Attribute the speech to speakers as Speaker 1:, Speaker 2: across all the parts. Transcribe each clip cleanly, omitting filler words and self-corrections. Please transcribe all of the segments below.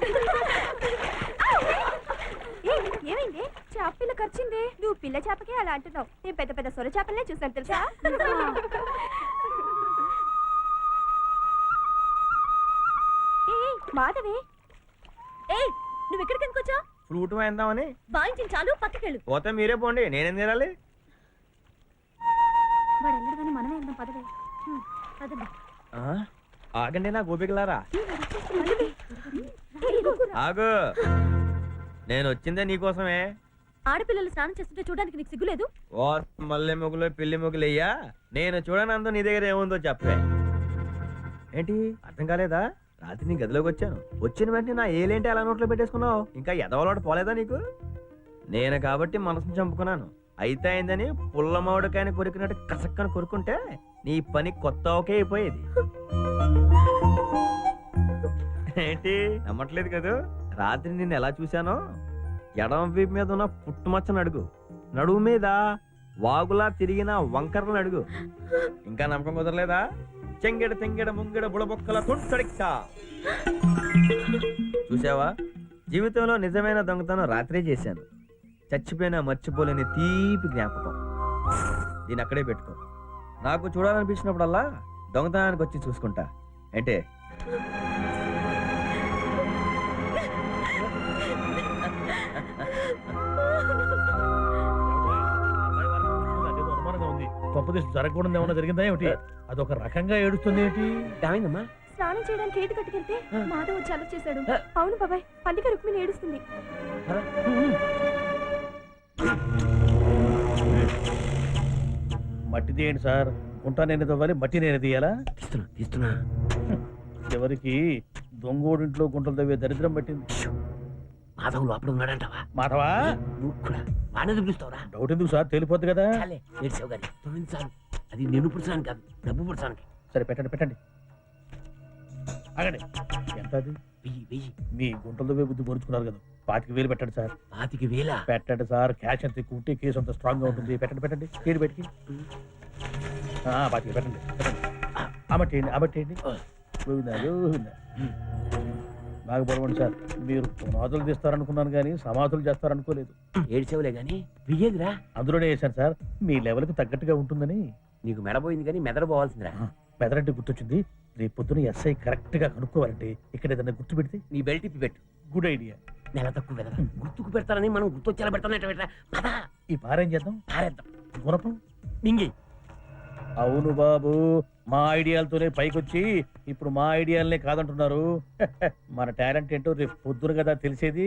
Speaker 1: ఏమైంది? చేప పిల్ల ఖర్చింది. నువ్వు పిల్ల చేపకే అలా అంటున్నావు. నేను పెద్ద పెద్ద సొర చేపలనే చూసాను తెలుసా. మాధవి, నువ్వు ఎక్కడికి ఎందుకు వచ్చావు?
Speaker 2: ఫ్రూట్ వేద్దామని.
Speaker 1: వాయించిన చాలు, పక్కకెళ్ళు.
Speaker 2: పోతే మీరే పోండి, నేనేం తినాలి?
Speaker 1: వాడు వెళ్ళడు కానీ మనమే వెళ్దాం. పదవే పదండి.
Speaker 2: ఆగండి నా గోపికలారా. ఆగు, నేను వచ్చిందే నీకోసమే.
Speaker 1: ఆడపిల్లలు స్నానం చేస్తుంటే చూడడానికి నీకు సిగ్గులేదు?
Speaker 2: ఓ మల్లె మొగులు పిల్లి మొగులయ్యా, నేను చూడనందు నీ దగ్గర ఏముందో చెప్పే. ఏంటి అర్థం కాలేదా? రాత్రి నీ గదిలోకి వచ్చాను, వచ్చిన వెంటనే నా ఏలేంటి అలా నోట్లో పెట్టేసుకున్నావు? ఇంకా ఎదవలోట పోలేదా నీకు? నేను కాబట్టి మనసును చంపుకున్నాను. అయితే అయిందని పుల్లమావిడికాయని కొరికినట్టు కసక్కని కొరుకుంటే నీ పని కొత్త ఒకే అయిపోయేది. ఏంటి నమ్మట్లేదు కదా? రాత్రి నిన్ను ఎలా చూశానో ఎడమ వీపు మీద ఉన్న పుట్టుమచ్చను అడుగు, నడువు మీద వాగులా తిరిగిన వంకరలను అడుగు. ఇంకా నమ్మకం కుదరలేదా? చెంగెడ తెంగెడ ముంగెడ బుడబొక్కల తుంటడిక్కా. చూసావా, జీవితంలో నిజమైన దొంగతనం రాత్రే చేశాను. చచ్చిపోయినా మర్చిపోలేని తీపి జ్ఞాపకం. దీన్ని అక్కడే పెట్టుకో. నాకు చూడాలనిపించినప్పుడల్లా దొంగతనానికి వచ్చి చూసుకుంటా. అంటే
Speaker 3: జరగకూడదు ఏమన్నా జరిగిందా ఏమిటి? అదొక రకంగా ఏడుస్తుంది ఏంటి?
Speaker 2: ఏమైందమ్మా?
Speaker 1: స్నానం చేయడానికి ఏటు కట్టుకెళ్తే మాధవ్ వచ్చి అలర్ట్ చేశాడు. అవును బాబాయ్, పండిక రుక్మిణి ఏడుస్తుంది.
Speaker 3: మట్టి తీయండి సార్. గుంట నేను తవ్వాలి, మట్టి నేను తీయాలా?
Speaker 2: తీస్తున్నా.
Speaker 3: ఎవరికి దొంగోడింట్లో గుంటలు తవ్వే దరిద్రం పట్టింది.
Speaker 4: మాధవ్ లోపల ఉన్నాడంటావా?
Speaker 3: మాధవా
Speaker 4: వాడిని పిలుస్తావురా?
Speaker 3: డౌట్ ఎందుకు సార్, తెలిపోద్ది కదా.
Speaker 4: ఏడ్చావు గారి తొమ్మిదిసార్లు. అది నేను పుడుచాను కాదు, డబ్బు పుడుచానికి.
Speaker 3: సరే పెట్టండి పెట్టండి. ఆగండి. ఎంత అది?
Speaker 4: 1000.
Speaker 3: మీ గుంటలు తవ్వే బుద్ధి పొరుచుకున్నారు కదా, 25,000 పెట్టండి సార్.
Speaker 4: 25,000
Speaker 3: పెట్టండి సార్. క్యాష్ అంత ఎక్కువ ఉంటే కేసు అంత స్ట్రాంగ్ గా ఉంటుంది. పెట్టండి పెట్టండి. ఏడు పెట్టి 25 పెట్టండి పెట్టండి. అమట్టేయండి అమట్టేయండి. నాకు బలవండి సార్. మీరు పునాదులు తీస్తారనుకున్నాను కానీ సమాధులు చేస్తారనుకోలేదు.
Speaker 4: ఏడ్చేవులే గాని వియ్యేదిరా.
Speaker 3: అందులోనే వేశాను సార్, మీ లెవెల్కి తగ్గట్టుగా ఉంటుందని.
Speaker 4: నీకు మెడపోయింది కానీ మెదడు పోవాల్సిందిరా.
Speaker 3: మెదడంటే గుర్తొచ్చింది. రేపు పొద్దున ఎస్ఐ కరెక్ట్ గా కనుక్కోవాలంటే ఇక్కడ ఏదైనా గుర్తు పెడితే.
Speaker 4: నీ బెల్ట్ ఇప్పి పెట్టు.
Speaker 3: Good idea.
Speaker 4: నెల తక్కువ వెదరా గుర్తుకు పెడతారని మనం గుర్తొచ్చేలా పెడతాం.
Speaker 3: ఈ పారేం చేద్దాం?
Speaker 4: పారేద్దాం.
Speaker 3: గుణపం
Speaker 4: మింగి.
Speaker 3: అవును బాబు, మా ఐడియాలతోనే పైకొచ్చి ఇప్పుడు మా ఐడియాలనే కాదంటున్నారు. మన టాలెంట్ ఏంటో రేపు పొద్దున కదా తెలిసేది.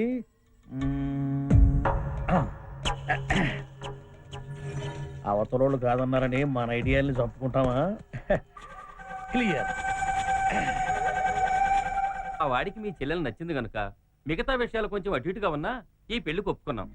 Speaker 3: అవతలోళ్ళు కాదన్నారని మన ఐడియాల్ని చంపుకుంటామా? క్లియర్.
Speaker 5: ఆ వాడికి మీ చెల్లెలు నచ్చింది గనుక మిగతా విషయాలు కొంచెం అటు ఇటుగా ఉన్నా ఈ పెళ్లికి ఒప్పుకున్నాం.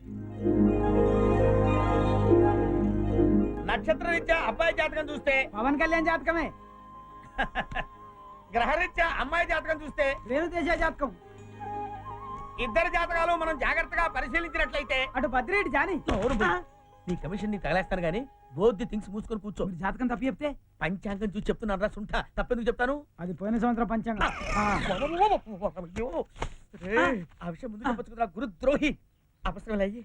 Speaker 2: నక్షత్రరీత్యా అబ్బాయి జాతకం చూస్తే
Speaker 6: పవన్ కళ్యాణ్ జాతకమే.
Speaker 2: గ్రహరీత్యా అమ్మాయి జాతకం చూస్తే
Speaker 6: రేణుదేశ జాతకం.
Speaker 2: ఇద్దరు జాతకాలు మనం జాగ్రత్తగా పరిశీలించినట్లయితే
Speaker 6: అటు బద్రేటి జాని.
Speaker 4: నీ కమిషన్ ని తగలేస్తాను గానీ బోధి థింగ్స్ మూసుకొని కూర్చో.
Speaker 6: జాతకం తప్పి చెప్తే
Speaker 4: పంచాంగం చూసి చెప్తున్నాను రా సుంఠ. తప్పెందుకు చెప్తాను?
Speaker 6: అది పోయిన సంవత్సరం పంచాంగం.
Speaker 4: ఆ విషయం ముందు చెప్పొచ్చు కదా గురుద్రోహి. అపస్రం అయ్యి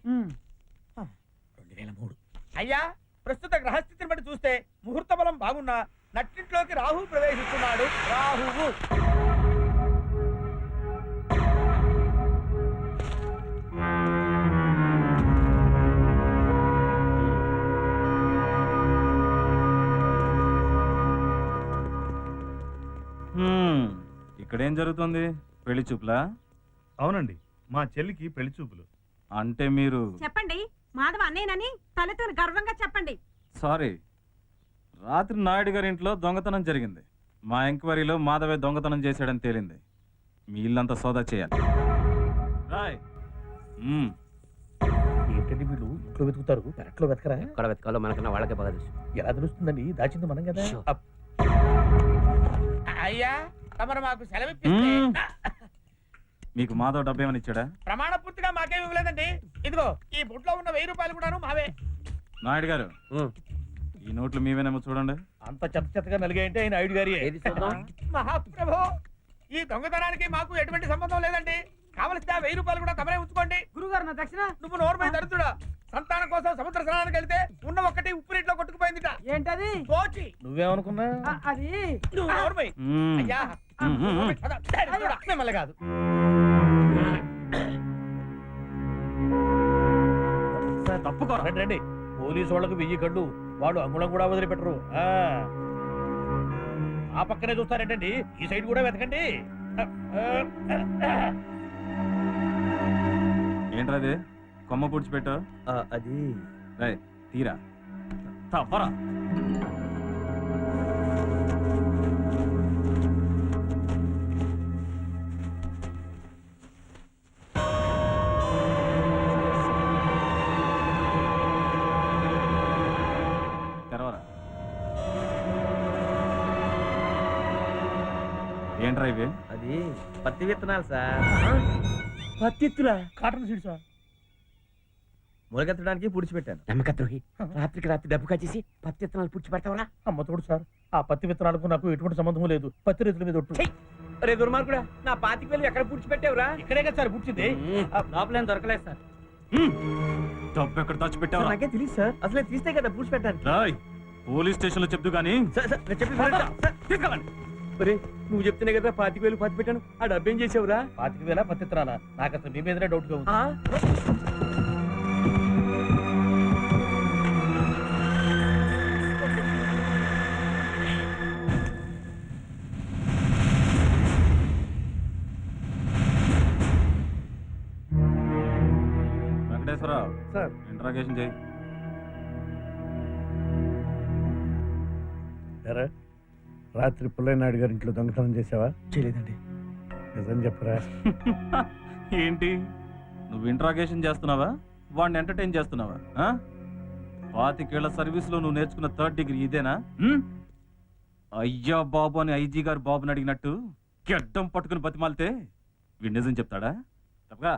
Speaker 3: 2003.
Speaker 2: అయ్యా, ప్రస్తుత గ్రహస్థితిని బట్టి చూస్తే ముహూర్త బలం బాగున్నా నట్టింట్లోకి రాహు ప్రవేశిస్తున్నాడు. రాహువు
Speaker 7: ఇక్కడేం జరుగుతుంది? పెళ్లి చూపులా?
Speaker 8: అవునండి, మా చెల్లికి పెళ్లి చూపులు.
Speaker 7: అంటే మీరు
Speaker 1: చెప్పండి, మాధవ అన్నేనని తనతో గర్వంగా చెప్పండి.
Speaker 7: సారీ, రాత్రి నాయుడు గారి ఇంట్లో దొంగతనం జరిగింది. మా ఎంక్వైరీలో మాధవే దొంగతనం చేశాడని తేలింది. మీ ఇల్లంతా సోదా చేయాలి. రాయ్.
Speaker 3: ఏంటంటే వీళ్ళు ఇంట్లో వెతుకుతారు, పెరట్లో వెతకరా?
Speaker 4: ఎక్కడ వెతకాలో మనకన్నా వాళ్ళకే బాగా తెలుసు.
Speaker 3: ఎలా తెలుస్తుందండి? దాచింది మనం కదా.
Speaker 2: అయ్యా, తమరు మాకు సెలవిప్పిస్తే.
Speaker 7: మీకు మాధవ్ డబ్బు ఏమని ఇచ్చాడా?
Speaker 2: ప్రమాణ పూర్తిగా మాకేమి ఇవ్వలేదండి. ఇదిగో ఈ బుట్లో ఉన్న 1000 రూపాయలు కూడాను మావే.
Speaker 7: నాయుడు గారు, ఈ నోట్లు మీవేనేమో చూడండి.
Speaker 3: అంత చెత్త చెత్తగా నలిగాయంటే ఆయన ఐదు గారి.
Speaker 2: మహాప్రభు, ఈ దొంగతనానికి మాకు ఎటువంటి సంబంధం లేదండి.
Speaker 4: కావలిస్తే ఆ 1000 రూపాయలు కూడా తమరే ఉంచుకోండి.
Speaker 6: గురుగారు నా దక్షిణ
Speaker 4: నువ్వు నోర్మై దరిద్రుడా. సంతానం కోసం సముద్ర స్నానానికి వెళ్తే ఉన్న ఒక్కటి ఉప్పు నీటిలో కొట్టుకుపోయిందిట.
Speaker 6: ఏంటది
Speaker 4: తోచి
Speaker 3: నువ్వేమనుకున్నా
Speaker 6: అది
Speaker 4: నువ్వు నోర్మై.
Speaker 7: మ్మ్.
Speaker 4: అయ్యా దరిద్రుడా. మిమ్మల్ని కాదు.
Speaker 3: తప్పుకోరా రండి రండి. పోలీసు వాళ్ళకు 1000 కళ్ళు, వాళ్ళు అంగుళం కూడా వదిలిపెట్టరు. ఆ పక్కనే చూస్తారేంటండి, ఈ సైడ్ కూడా వెతకండి.
Speaker 7: ఏంట్రది కొమ్మ పూడ్చిపెట్టు.
Speaker 2: అది
Speaker 7: రేయ్, తీరా తప్పరా. తెరవరా. ఏంట్రా ఇవి?
Speaker 2: అది పత్తి విత్తనాలు సార్.
Speaker 3: పత్తిత్తులా కాటన్ సీడ్సా?
Speaker 2: మొలకెత్తడానికి పుడిచిపెట్టాను.
Speaker 4: నమ్మక ద్రోహి. రాత్రికి రాత్రి డబ్బు కాచేసి పత్తి విత్తనాలు పుడిచి పెడతావరా?
Speaker 3: అమ్మ తోడు సార్, ఆ పత్తి విత్తనాలకు నాకు ఎటువంటి సంబంధం లేదు. పత్తి రైతుల మీద ఒట్టు.
Speaker 4: రే దుర్మార్గుడా, నా 25,000 ఎక్కడ పుడిచి పెట్టావురా?
Speaker 3: ఇక్కడే కదా సార్ పుట్టింది.
Speaker 4: లోపలేం దొరకలేదు సార్.
Speaker 7: డబ్బు ఎక్కడ దాచిపెట్టావా?
Speaker 2: నాకే తెలియదు సార్, అసలే తీస్తే కదా పుడిచిపెట్టాను.
Speaker 7: రాయ్, పోలీస్ స్టేషన్ లో చెప్దు గానీ
Speaker 2: సార్ సార్, నేను చెప్పేది వినండి సార్.
Speaker 7: తీసుకెళ్ళండి.
Speaker 4: ఒరే, నువ్వు చెప్తేనే కదా 25,000 పత్తి పెట్టాను. ఆ డబ్బేం చేసావురా?
Speaker 3: 25,000 పత్తి విత్తనాలా? నాకు అసలు మీ మీదనే డౌట్ గా ఉంది.
Speaker 4: ఆ?
Speaker 7: వెంకటేశ్వరరావు
Speaker 2: సార్.
Speaker 7: ఇంట్రాగేషన్ చేయి.
Speaker 9: ఎరా రాత్రి పుల్లయ్యనాయుడు గారి ఇంట్లో దొంగతనం చేసావా?
Speaker 2: చేయలేదండి.
Speaker 9: నిజం చెప్పరా?
Speaker 7: ఏంటి, నువ్వు ఇంట్రాగేషన్ చేస్తున్నావా, వాడిని ఎంటర్టైన్ చేస్తున్నావా? 25 ఏళ్ల సర్వీస్ లో నువ్వు నేర్చుకున్న 3rd డిగ్రీ ఇదేనా? అయ్యా బాబు అని ఐజీ గారు బాబుని అడిగినట్టు గెడ్డం పట్టుకుని బతిమాలితే వీడు నిజం చెప్తాడా? తప్పగా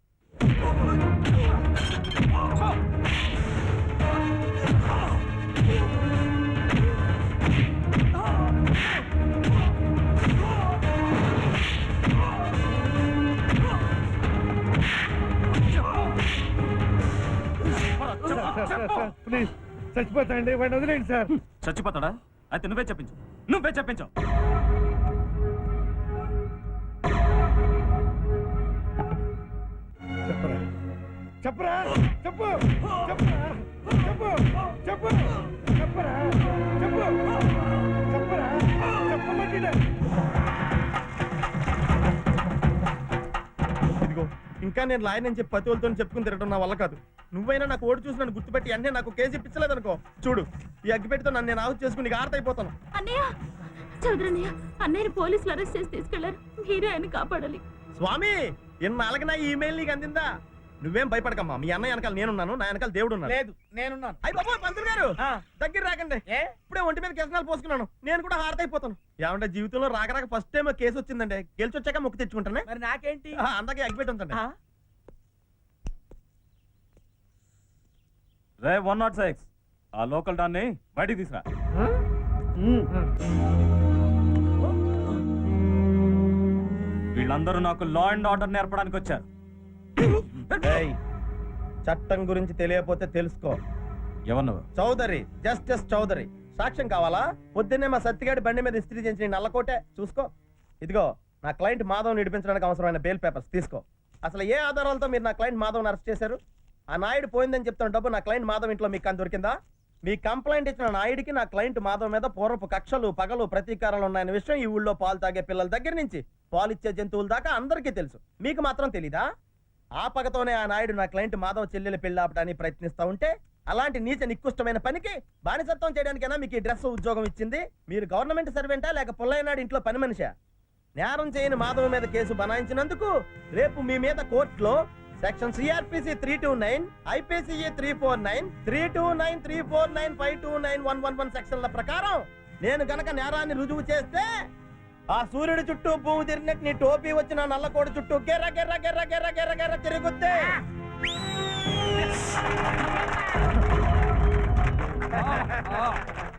Speaker 9: ప్లీజ్ చచ్చిపోతాండి, వాడిని వదిలేండి సార్.
Speaker 7: చచ్చిపోతాడా? అయితే నువ్వే చెప్పించు, నువ్వే చెప్పించు.
Speaker 9: చెప్పరా చెప్పరా చెప్పు చెప్పరా చెప్పు చెప్పు చెప్పరా చెప్పు చెప్పరా చెప్పమంటే.
Speaker 2: ఇదిగో, ఇంకా నేను లాయర్ అని చెప్పి పతివులతో చెప్పుకుని తిరగడం నా వల్ల కాదు. నువ్వైనా నాకు ఓడి చూసి నన్ను గుర్తుపెట్టి అన్నీ నాకు కేసు ఇప్పించలేదు అనుకో, చూడు ఈ అగ్గిపెట్టితో నన్ను నేను ఆహుతి చేసుకుని నీకు ఆర్తైపోతాను.
Speaker 1: అన్నయ్య, చౌదరన్నయ్య, అన్నయ్యని పోలీసులు అరెస్ట్ చేసి తీసుకెళ్లారు. మీరే ఆయన కాపాడాలి.
Speaker 2: స్వామి, ఇన్నాళ్ళకి నా ఈమెయిల్ నీకు అందిందా? నువ్వేం భయపడకమ్మా, మీ అన్న వెనకాల నేనున్నాను, నా వెనకాల దేవుడు ఉన్నాడు.
Speaker 4: లేదు, నేనున్నాను.
Speaker 2: అయ్యి బాబోయ్, పంతులు గారు దగ్గర రాకండి.
Speaker 4: ఏ?
Speaker 2: ఇప్పుడే ఒంటి మీద కెసనాలు పోసుకున్నాను, నేను కూడా హారతైపోతాను. ఏమంటే జీవితంలో రాక ఫస్ట్ టైం కేసు వచ్చిందండి, గెలిచి వచ్చాక మొక్కు తెచ్చుకుంటానే.
Speaker 4: మరి నాకేంటి?
Speaker 2: అందాకే అగ్గిపెట్టి ఉంచండి.
Speaker 7: రే 106, ఆ లోకల్ డాన్ని బయటికి తీసురా. వీళ్ళందరూ నాకు లా అండ్ ఆర్డర్ నేర్పడానికి వచ్చారు.
Speaker 2: ఏయ్, చట్టం గురించి తెలియకపోతే తెలుసుకో.
Speaker 7: ఎవరు నువ్వు?
Speaker 2: చౌదరి, జస్టిస్ చౌదరి. సాక్ష్యం కావాలా? పొద్దున్నే మా సత్తిగాడి బండి మీద ఇస్త్రీ చేసిన నల్లకోటే చూసుకో. ఇదిగో, నా క్లయింట్ మాధవ్ నడిపించడానికి అవసరమైన బెయిల్ పేపర్స్ తీసుకో. అసలు ఏ ఆధారాలతో మీరు నా క్లయింట్ మాధవ్ అరెస్ట్ చేశారు? ఆ నాయుడు పోయిందని చెప్తున్న డబ్బు నా క్లయింట్ మాధవ్ ఇంట్లో మీకు అని దొరికిందా? మీ కంప్లైంట్ ఇచ్చిన నాయుడికి నా క్లయింట్ మాధవ్ మీద పూర్వపు కక్షలు, పగలు, ప్రతీకారాలు ఉన్నాయన్న విషయం ఈ ఊళ్ళో పాలు తాగే పిల్లల దగ్గర నుంచి పాలిచ్చే జంతువుల దాకా అందరికీ తెలుసు. మీకు మాత్రం తెలీదా? ఆ పగతోనే ఆ నాయుడు నా క్లయింట్ మాధవ్ చెల్లెలు పెళ్లి ఆపడానికి ప్రయత్నిస్తా ఉంటే, అలాంటి నీచ నికృష్టమైన పనికి బానిసత్వం చేయడానికైనా మీకు ఈ డ్రెస్ ఉద్యోగం ఇచ్చింది? మీరు గవర్నమెంట్ సర్వెంటా లేక పుల్లయ్యనాడు ఇంట్లో పని మనిషా? నేరం చేయని మాధవ్ మీద కేసు బనాయించినందుకు రేపు మీ మీద కోర్టులో సెక్షన్ సిఆర్పిసి 329, ఐపీసీఈ 349, 329, 349, 529, 111 సెక్షన్ల ప్రకారం నేను గనక నేరాన్ని రుజువు చేస్తే ఆ సూర్యుడి చుట్టూ భూమి తిరిగినట్టు నీ టోపీ వచ్చిన నల్లకోడి చుట్టూ గెర్ర గెర్ర గెర్ర గెర్ర గెర్ర గెర్ర తిరుగుద్ది.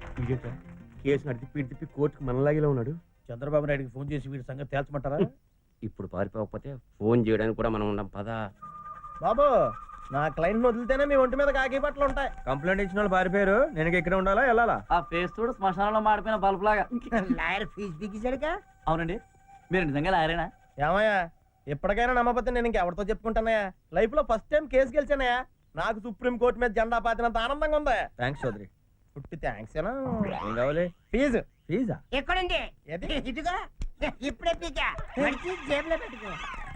Speaker 4: కేసు నడిపి తిప్పి కోర్టుకు మనలాగిలో ఉన్నాడు.
Speaker 3: చంద్రబాబు నాయుడికి ఫోన్ చేసి వీడి సంగతి తేల్చమంటారా?
Speaker 5: ఇప్పుడు పారిపోకపోతే ఫోన్ చేయడానికి కూడా మనం ఉండం పదా.
Speaker 2: బాబు నా క్లయింట్ వదిలితేనే మీ ఒంటి మీద కాకి బట్టలు ఉంటాయి. కంప్లైంట్ ఇచ్చిన వాళ్ళు పారిపోయారు. నేను ఇక్కడ ఉండాలా వెళ్ళాలా?
Speaker 6: ఆ ఫేస్ చూడు శ్మశానంలో మాడిపోయిన బల్బ్ లాగా.
Speaker 4: లాయర్ ఫీజు బిగించాడుగా.
Speaker 6: అవునండి, మీరు నిజంగా లాయరేనా?
Speaker 2: ఏమయ్యా ఎప్పటికైనా నమ్మకపోతే నేను ఇంకెవరితో చెప్పుకుంటానయ్యా? లైఫ్ లో ఫస్ట్ టైం కేసు గెలిచానయ్యా. నాకు సుప్రీం కోర్టు మీద జెండా పాతినంత ఆనందంగా ఉంది. థ్యాంక్స్ చౌదరి. పుట్టి థ్యాంక్స్ ఏం కావాలి? ఫీజు. ఫీజా?
Speaker 4: ఎక్కడుంది? ఇదిగో ఇప్పుడే పీకా మంచి జేబులో పెట్టుకో.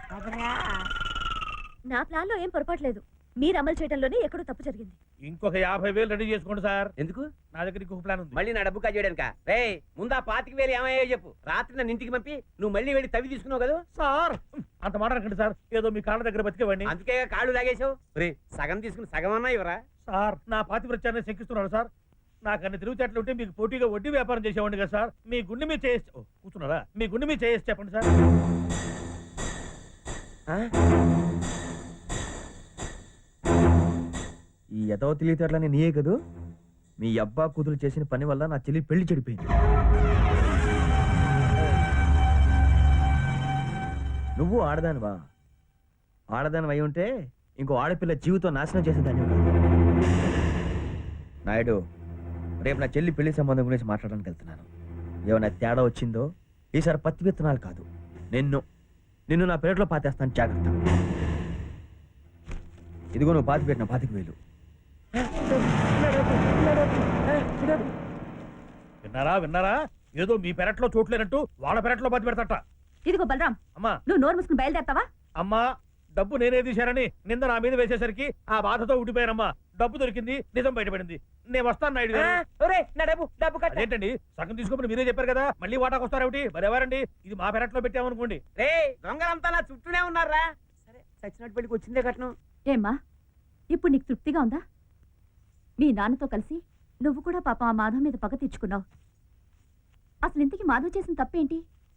Speaker 1: నా ప్లాన్ లో ఏం పొరపాటు లేదు. మీరు అమలు చేయడంలోనే ఎక్కడో తప్పు జరిగింది.
Speaker 3: ఇంకొక 50,000 రెడీ చేసుకోండి సార్.
Speaker 5: ఎందుకు?
Speaker 3: నా దగ్గర ఇంకొక ప్లాన్ ఉంది.
Speaker 5: మళ్ళీ నా డబ్బు కాజేయడానిక? రే ముందా 25,000 ఏమయ్యో చెప్పు. రాత్రి నన్ను ఇంటికి పంపి నువ్వు మళ్ళీ వెళ్ళి తవ్వి తీసుకున్నావు కదా.
Speaker 3: సార్ అంత మాట అనకండి సార్. ఏదో మీ కాళ్ళ దగ్గర బతికేవాడిని.
Speaker 5: అందుకే కాళ్ళు లాగేశావు. రే సగం తీసుకుని సగం అన్నా ఇవరా?
Speaker 3: సార్ నా పాతివ్రత్యాన్ని శంకిస్తున్నాడు సార్. నాకు అన్ని తిరుగుచేట్లు ఉంటే మీకు పోటీగా వడ్డీ వ్యాపారం చేసేవాడిని కదా సార్. మీ గుండె మీద చేసి కూర్చున్నారా? మీ గుండె మీద చేసి చెప్పండి సార్.
Speaker 2: ఈ ఎదవ తెలియటట్లని నీయే కదూ. మీ అబ్బా కూతురు చేసిన పని వల్ల నా చెల్లి పెళ్లి చెడిపోయింది. నువ్వు ఆడదానివా? ఆడదానివి అయి ఉంటే ఇంకో ఆడపిల్ల జీవితం నాశనం చేసేదాన్ని. నాయుడు, రేపు నా చెల్లి పెళ్లి సంబంధం గురించి మాట్లాడడానికి వెళ్తున్నాను. ఏమైనా తేడా వచ్చిందో ఈసారి పత్తి విత్తనాలు కాదు, నిన్ను నా పేరులో పాతేస్తాను. జాగ్రత్త. ఇదిగో నువ్వు పాతి పెట్టిన 25,000.
Speaker 3: విన్నారా? ఏదో మీ పెరట్లో చోట్లేనట్టు వాళ్ళ పెరట్లో పాతి పెడతట.
Speaker 1: ఇదిగో బలరాం,
Speaker 3: అమ్మా
Speaker 1: నువ్వు నోరు మూసుకుని బయలుదేరతావా?
Speaker 3: అమ్మా డబ్బు నేనే తీశారని నింద నా మీద వేసేసరికి ఆ బాధతో ఉండిపోయానమ్మా. డబ్బు దొరికింది, నిజం బయటపడింది. నేను వస్తాను నాయుడు గారు. ఏంటండి సగం తీసుకోమని మీరే చెప్పారు కదా, మళ్ళీ వాటాకు వస్తారేమిటి? మరెవరండి? ఇది మా పెరట్లో పెట్టామనుకోండి.
Speaker 5: రే దొంగలంతా నా చుట్టూనే ఉన్నారా? సరే సచ్చినట్టు పెళ్లికి వచ్చిందే కట్నం.
Speaker 1: ఏమ్మా, ఇప్పుడు నీకు తృప్తిగా ఉందా? మీ నాన్నతో కలిసి నువ్వు కూడా పాపం ఆ మాధవ్ మీద పగ తీర్చుకున్నావు. అసలు ఇంతకీ మాధవ్ చేసిన తప్పేంటి?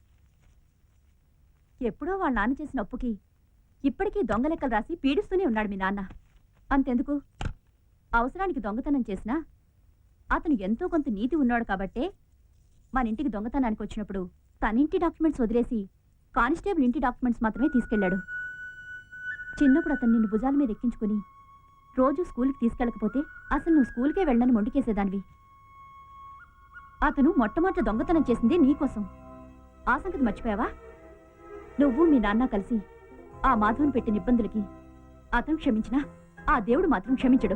Speaker 1: ఎప్పుడో వాళ్ళ నాన్న చేసిన అప్పుకి ఇప్పటికీ దొంగ లెక్కలు రాసి పీడిస్తూనే ఉన్నాడు మీ నాన్న. అంతెందుకు, అవసరానికి దొంగతనం చేసినా అతను ఎంతో కొంత నీతి ఉన్నాడు కాబట్టే మన ఇంటికి దొంగతనానికి వచ్చినప్పుడు తన ఇంటి డాక్యుమెంట్స్ వదిలేసి కానిస్టేబుల్ ఇంటి డాక్యుమెంట్స్ మాత్రమే తీసుకెళ్లాడు. చిన్నప్పుడు అతను నిన్ను భుజాల మీద ఎక్కించుకుని రోజు స్కూల్కి తీసుకెళ్ళకపోతే అసలు నువ్వు స్కూల్కే వెళ్ళని మొండికేసేదానివి. అతను మొట్టమొదట దొంగతనం చేసింది నీకోసం. ఆ సంగతి మర్చిపోయావా? నువ్వు మీ నాన్న కలిసి ఆ మాధవన్ పెట్టిన ఇబ్బందులకి అతను క్షమించినా ఆ దేవుడు మాత్రం క్షమించడు.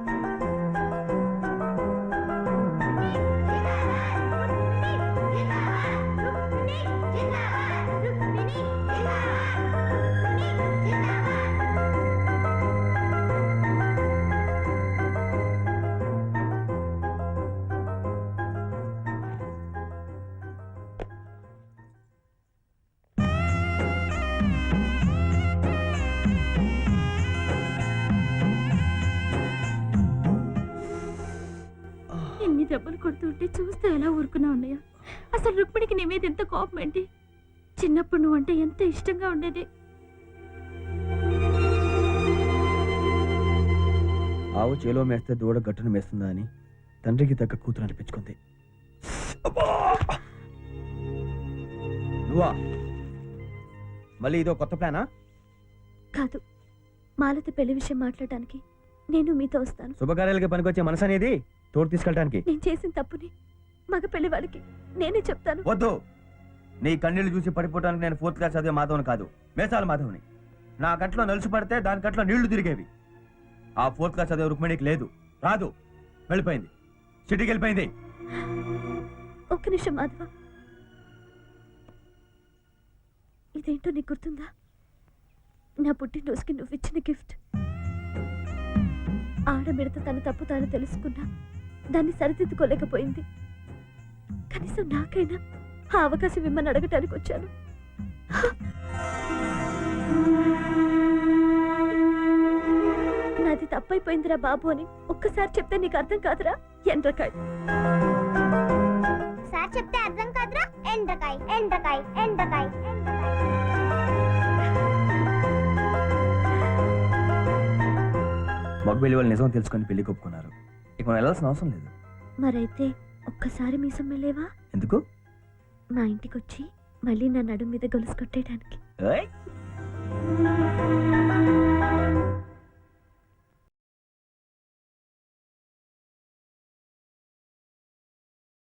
Speaker 1: ఎన్ని దెబ్బలు కొడుతుంటే చూస్తే ఎలా ఊరుకున్నా ఉన్నాయా? అసలు రుక్మిణికి నీ మీద ఎంత కోపం ఏంటి? చిన్నప్పుడు నువ్వంటే ఎంత ఇష్టంగా ఉండేది.
Speaker 2: ఆవు చేలో మేస్తే దూడ గట్టును మేస్తుందా అని తండ్రికి తగ్గ కూతురు అనిపించుకుంది. నువ్వా? మళ్ళీ ఇదో కొత్త ప్లానా?
Speaker 1: కాదు, మాలతి పెళ్లి విషయం మాట్లాడటానికి నేను మీతో వస్తాను.
Speaker 2: శుభకార్యాలకి పనికొచ్చే మనసు అనేది తోడు తీసుకెళ్ళడానికి.
Speaker 1: నేను చేసిన తప్పుని మగ పెళ్లి వాడికి నేనే చెప్తాను.
Speaker 2: వద్దు. నీ కన్నీళ్లు చూసి పడిపోవడానికి నేను 4th క్లాస్ చదివే మాధవని కాదు, మేసాల మాధవని. నా కంట్లో నలుసు పడితే దాని కంట్లో నీళ్లు తిరిగేవి. ఆ 4th క్లాస్ చదివే రుక్మిణికి లేదు, రాదు, వెళ్ళిపోయింది, సిటీకి వెళ్ళిపోయింది.
Speaker 1: ఒక్క నిమిషం మాధవ, ఇదేంటో నీకు గుర్తుందా? నా పుట్టినరోజుకి నువ్వు ఇచ్చిన గిఫ్ట్. ఆడమిడత తన తప్పు తాను తెలుసుకున్నా దాన్ని సరిదిద్దుకోలేకపోయింది. కనీసం నాకైనా ఆ అవకాశం ఇమ్మని అడగటానికి వచ్చాను. నాది తప్పైపోయిందిరా బాబు అని ఒక్కసారి చెప్తే నీకు అర్థం కాదురా ఎండ్రకాయ.
Speaker 10: సార్ చెప్తే అర్థం కాదురా ఎండ్రకాయ ఎండ్రకాయ ఎండ్రకాయ.
Speaker 2: మగబెల్లి వాళ్ళు నిజం తెలుసుకొని పెళ్లి కొప్పుకున్నారు. ఇక మనం వెళ్ళాల్సిన అవసరం లేదు.
Speaker 1: మరైతే ఒక్కసారి మీసం వెళ్ళేవా?
Speaker 2: ఎందుకు?
Speaker 1: మా ఇంటికి వచ్చి మళ్ళీ నా నడుం మీద గొలుసు కొట్టేయడానికి.
Speaker 2: ఏయ్.